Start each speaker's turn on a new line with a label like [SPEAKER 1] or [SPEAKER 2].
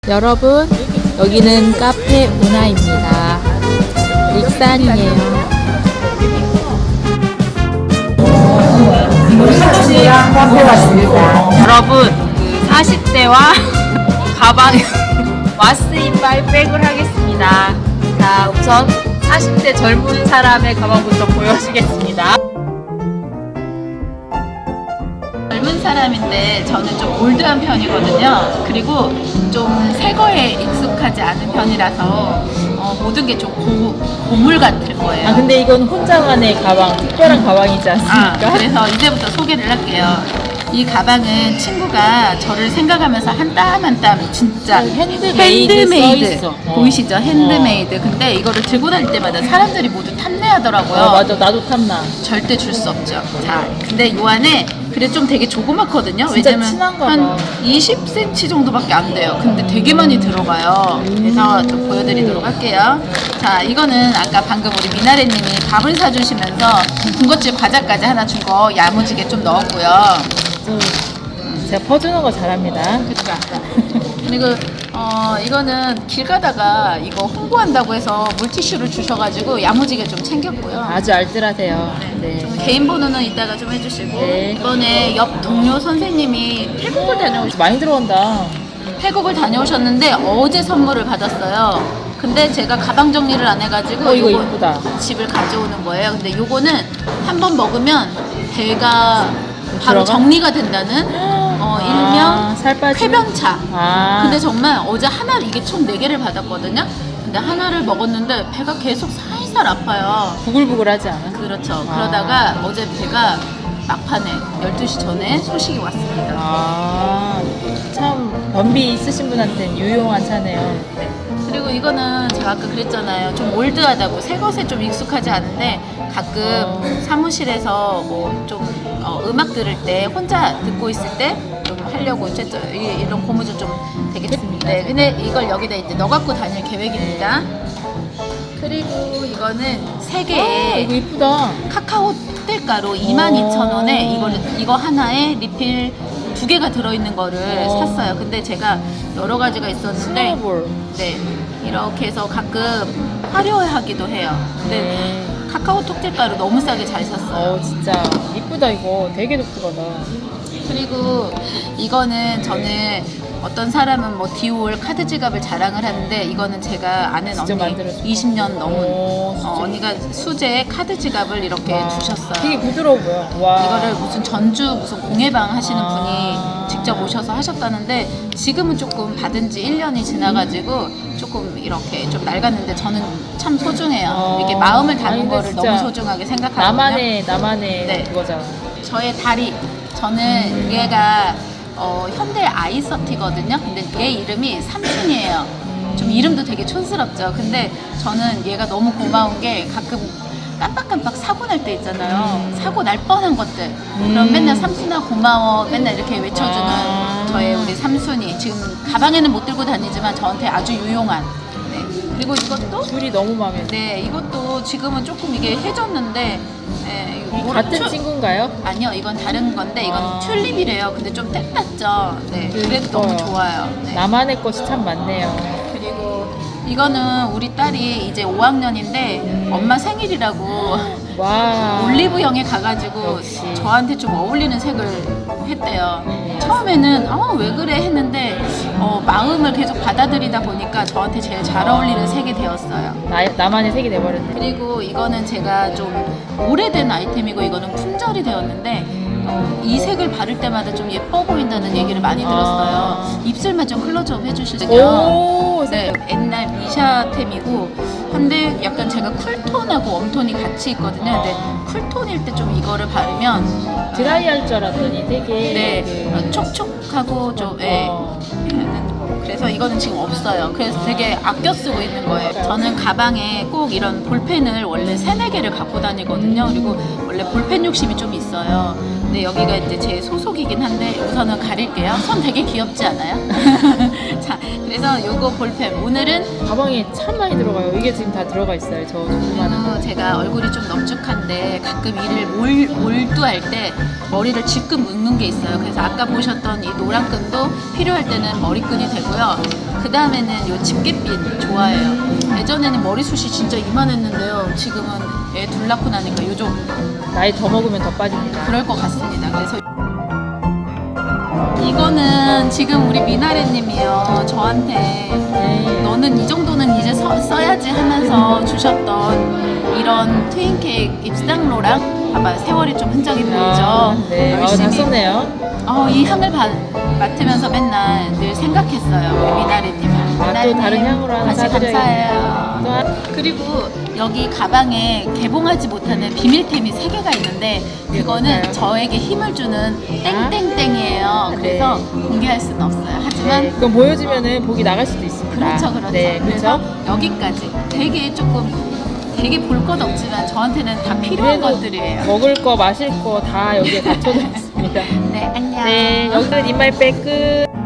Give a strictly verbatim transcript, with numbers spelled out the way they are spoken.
[SPEAKER 1] 여러분, 여기는 카페 우나입니다. 익산이에요.
[SPEAKER 2] 카페 왔습니다.
[SPEAKER 1] 여러분, 그 사십 대와 가방 와스인바이 백을 하겠습니다. 자, 우선 사십 대 젊은 사람의 가방부터 보여주겠습니다. 젊은 사람인데 저는 좀 올드한 편이거든요. 그리고 좀 새 거에 익숙하지 않은 편이라서 어, 모든 게 좀 고물 같을 거예요.
[SPEAKER 3] 아 근데 이건 혼자만의 가방, 특별한 가방이지
[SPEAKER 1] 아,
[SPEAKER 3] 않습니까?
[SPEAKER 1] 그래서 이제부터 소개를 할게요. 이 가방은 친구가 저를 생각하면서 한 땀 한 땀 진짜
[SPEAKER 3] 핸드메이드
[SPEAKER 1] 핸드메이드
[SPEAKER 3] 써있어. 어.
[SPEAKER 1] 보이시죠? 핸드메이드. 근데 이거를 들고 다닐 때마다 사람들이 모두 탐내하더라고요.
[SPEAKER 3] 어, 맞아, 나도 탐나.
[SPEAKER 1] 절대 줄 수 없죠. 자, 근데 요 안에 그래 좀 되게 조그맣거든요.
[SPEAKER 3] 진짜
[SPEAKER 1] 왜냐면
[SPEAKER 3] 친한가
[SPEAKER 1] 한
[SPEAKER 3] 봐.
[SPEAKER 1] 이십 센티미터 정도밖에 안 돼요. 근데 되게 많이 들어가요. 그래서 좀 보여드리도록 할게요. 자, 이거는 아까 방금 우리 미나래님이 밥을 사주시면서 군것질 과자까지 하나 준 거 야무지게 좀 넣었고요.
[SPEAKER 3] 좀 제가 퍼주는 거 잘합니다.
[SPEAKER 1] 그러니까 그리고 어 이거는 길 가다가 이거 홍보한다고 해서 물티슈를 주셔가지고 야무지게 좀 챙겼고요.
[SPEAKER 3] 아주 알뜰하세요. 네.
[SPEAKER 1] 좀 개인 번호는 이따가 좀 해주시고
[SPEAKER 3] 네.
[SPEAKER 1] 이번에 옆 동료 선생님이 태국을 다녀오셨
[SPEAKER 3] 많이 들어온다.
[SPEAKER 1] 태국을 다녀오셨는데 어제 선물을 받았어요. 근데 제가 가방 정리를 안 해가지고
[SPEAKER 3] 어, 이거
[SPEAKER 1] 요거
[SPEAKER 3] 이쁘다.
[SPEAKER 1] 집을 가져오는 거예요. 근데 요거는 한 번 먹으면 배가 바로
[SPEAKER 3] 들어가?
[SPEAKER 1] 정리가 된다는 어,
[SPEAKER 3] 아,
[SPEAKER 1] 일명
[SPEAKER 3] 살 빠지면?
[SPEAKER 1] 쾌변차.
[SPEAKER 3] 아.
[SPEAKER 1] 근데 정말 어제 하나 이게 총 네 개를 받았거든요. 근데 하나를 먹었는데 배가 계속 살살 아파요.
[SPEAKER 3] 부글부글하지 않아?
[SPEAKER 1] 그렇죠.
[SPEAKER 3] 아.
[SPEAKER 1] 그러다가 어제 배가 막판에 열두 시 전에 소식이 왔습니다.
[SPEAKER 3] 아, 참 변비 있으신 분한테는 유용한 차네요.
[SPEAKER 1] 네. 그리고 이거는 제가 아까 그랬잖아요. 좀 올드하다고 새 것에 좀 익숙하지 않은데 가끔
[SPEAKER 3] 어.
[SPEAKER 1] 사무실에서 뭐 좀 어, 음악 들을 때 혼자 듣고 있을 때 좀 하려고 이제 저- 이- 이런 고무줄 좀 되겠습니다. 네, 근데 이걸 여기다 이제 넣어 갖고 다닐 계획입니다. 그리고 이거는 세
[SPEAKER 3] 아,
[SPEAKER 1] 개의
[SPEAKER 3] 이거 이쁘다.
[SPEAKER 1] 카카오 뜰가루 이만 이천 원에 이거를 이거 하나에 리필 두 개가 들어있는 거를
[SPEAKER 3] 어.
[SPEAKER 1] 샀어요. 근데 제가 여러 가지가 있었는데
[SPEAKER 3] 스노볼.
[SPEAKER 1] 네 이렇게 해서 가끔 화려하기도 해요. 근데
[SPEAKER 3] 네.
[SPEAKER 1] 카카오톡 뜰가루 너무 싸게 잘 샀어요.
[SPEAKER 3] 어, 진짜 이쁘다 이거. 되게 독특하다.
[SPEAKER 1] 그리고 이거는 저는 어떤 사람은 뭐 디올 카드 지갑을 자랑을 하는데 이거는 제가 아는
[SPEAKER 3] 직접
[SPEAKER 1] 언니
[SPEAKER 3] 만들어서.
[SPEAKER 1] 이십 년 넘은
[SPEAKER 3] 오,
[SPEAKER 1] 어,
[SPEAKER 3] 진짜.
[SPEAKER 1] 언니가 수제 카드 지갑을 이렇게
[SPEAKER 3] 와,
[SPEAKER 1] 주셨어요.
[SPEAKER 3] 되게 부드러워 보여. 와.
[SPEAKER 1] 이거를 무슨 전주 무슨 공예방 하시는
[SPEAKER 3] 아.
[SPEAKER 1] 분이 직접 오셔서 하셨다는데 지금은 조금 받은 지 일 년이 지나가지고 조금 이렇게 좀 낡았는데 저는 참 소중해요.
[SPEAKER 3] 어.
[SPEAKER 1] 이게 마음을
[SPEAKER 3] 아니,
[SPEAKER 1] 담은
[SPEAKER 3] 근데
[SPEAKER 1] 거를
[SPEAKER 3] 진짜
[SPEAKER 1] 너무 소중하게 생각하거든요.
[SPEAKER 3] 나만의 나만의
[SPEAKER 1] 네.
[SPEAKER 3] 그거잖아.
[SPEAKER 1] 저의 다리. 저는 얘가 어, 현대 아이서티거든요. 근데 얘 이름이 삼순이에요. 좀 이름도 되게 촌스럽죠. 근데 저는 얘가 너무 고마운 게 가끔 깜빡깜빡 사고 날 때 있잖아요. 사고 날 뻔한 것들. 그럼
[SPEAKER 3] 음.
[SPEAKER 1] 맨날 삼순아 고마워. 맨날 이렇게 외쳐주는
[SPEAKER 3] 아.
[SPEAKER 1] 저의 우리 삼순이. 지금 가방에는 못 들고 다니지만 저한테 아주 유용한. 네. 그리고 이것도
[SPEAKER 3] 줄이 너무 마음에 들어.
[SPEAKER 1] 네 이것도 지금은 조금 이게 해졌는데 네, 이거 뭐라-
[SPEAKER 3] 같은
[SPEAKER 1] 튜-
[SPEAKER 3] 친구인가요?
[SPEAKER 1] 아니요, 이건 다른 건데 이건
[SPEAKER 3] 아.
[SPEAKER 1] 튤립이래요. 근데 좀 땡났죠. 네,
[SPEAKER 3] 음,
[SPEAKER 1] 그래도 너무
[SPEAKER 3] 이뻐요.
[SPEAKER 1] 좋아요. 네.
[SPEAKER 3] 나만의 것이 참 많네요.
[SPEAKER 1] 그리고 이거는 우리 딸이 이제 오 학년인데 엄마 생일이라고
[SPEAKER 3] 와.
[SPEAKER 1] 올리브영에 가가지고
[SPEAKER 3] 역시.
[SPEAKER 1] 저한테 좀 어울리는 색을 했대요.
[SPEAKER 3] 네.
[SPEAKER 1] 처음에는 어, 왜 그래 했는데 어, 마음을 계속 받아들이다 보니까 저한테 제일 잘 어울리는 색이 되었어요.
[SPEAKER 3] 나, 나만의 색이 돼버렸네.
[SPEAKER 1] 그리고 이거는 제가 좀 오래된 아이템이고 이거는 품절이 되었는데 어, 이 색을 바를 때마다 좀 예뻐 보인다는 얘기를 많이 들었어요.
[SPEAKER 3] 아.
[SPEAKER 1] 입술만 좀 클로즈업 해주시죠.
[SPEAKER 3] 오,
[SPEAKER 1] 네, 옛날 미샤템이고 한데 약간 제가 쿨톤하고 웜톤이 같이 있거든요. 근데 쿨톤일 때 좀 이거를 바르면
[SPEAKER 3] 드라이 할 줄 알았더니 되게
[SPEAKER 1] 네,
[SPEAKER 3] 그-
[SPEAKER 1] 어, 촉촉하고 좀 예.
[SPEAKER 3] 어.
[SPEAKER 1] 그래서 이거는 지금 없어요. 그래서 되게 아껴 쓰고 있는 거예요. 저는 가방에 꼭 이런 볼펜을 원래 세네 개를 갖고 다니거든요. 그리고 원래 볼펜 욕심이 좀 있어요. 근데 여기가 이제 제 소속이긴 한데 우선은 가릴게요. 손 되게 귀엽지 않아요? 자, 그래서 그래서 요거 볼펜 오늘은
[SPEAKER 3] 가방에 참 많이 들어가요. 이게 지금 다 들어가 있어요. 저 조그마한 거.
[SPEAKER 1] 어, 제가 얼굴이 좀 넙죽한데 가끔 일을 몰, 몰두할 때 머리를 질끈 묶는 게 있어요. 그래서 아까 보셨던 이 노란 끈도 필요할 때는 머리끈이 되고요. 그 다음에는 요 집게핀 좋아해요. 예전에는 머리숱이 진짜 이만했는데요. 지금은 애 둘 낳고 나니까 요즘
[SPEAKER 3] 나이 더 먹으면 더 빠집니다.
[SPEAKER 1] 그럴 것 같습니다. 그래서 이거는 지금 우리 미나래님이요 저한테
[SPEAKER 3] 네.
[SPEAKER 1] 너는 이 정도는 이제 서, 써야지 하면서 주셨던 이런 트윈 케이크 입상로랑 봐봐 세월이 좀 흔적이 보이죠.
[SPEAKER 3] 아, 네. 아, 다
[SPEAKER 1] 열심히
[SPEAKER 3] 썼네요.
[SPEAKER 1] 어, 이 향을 바, 맡으면서 맨날 늘 생각했어요. 우리 미나래님을.
[SPEAKER 3] 아, 또 다른 향으로 하나
[SPEAKER 1] 다시
[SPEAKER 3] 사드려야겠다.
[SPEAKER 1] 감사해요.
[SPEAKER 3] 또 한-
[SPEAKER 1] 그리고 여기 가방에 개봉하지 못하는 비밀템이 세 개가 있는데 그거는
[SPEAKER 3] 뭔가요?
[SPEAKER 1] 저에게 힘을 주는 땡땡땡이에요. 그래서
[SPEAKER 3] 네.
[SPEAKER 1] 공개할 수는 없어요. 하지만
[SPEAKER 3] 네. 그럼 보여주면은 복이 나갈 수도 있습니다.
[SPEAKER 1] 그렇죠, 그렇죠.
[SPEAKER 3] 네,
[SPEAKER 1] 그래서
[SPEAKER 3] 그렇죠.
[SPEAKER 1] 여기까지 되게 조금 되게 볼 것 없지만 저한테는 다 필요한
[SPEAKER 3] 그래도
[SPEAKER 1] 것들이에요.
[SPEAKER 3] 먹을 거, 마실 거 다 여기에 갖춰져 있습니다.
[SPEAKER 1] 네, 안녕.
[SPEAKER 3] 네, 여기는 인마이백 끝.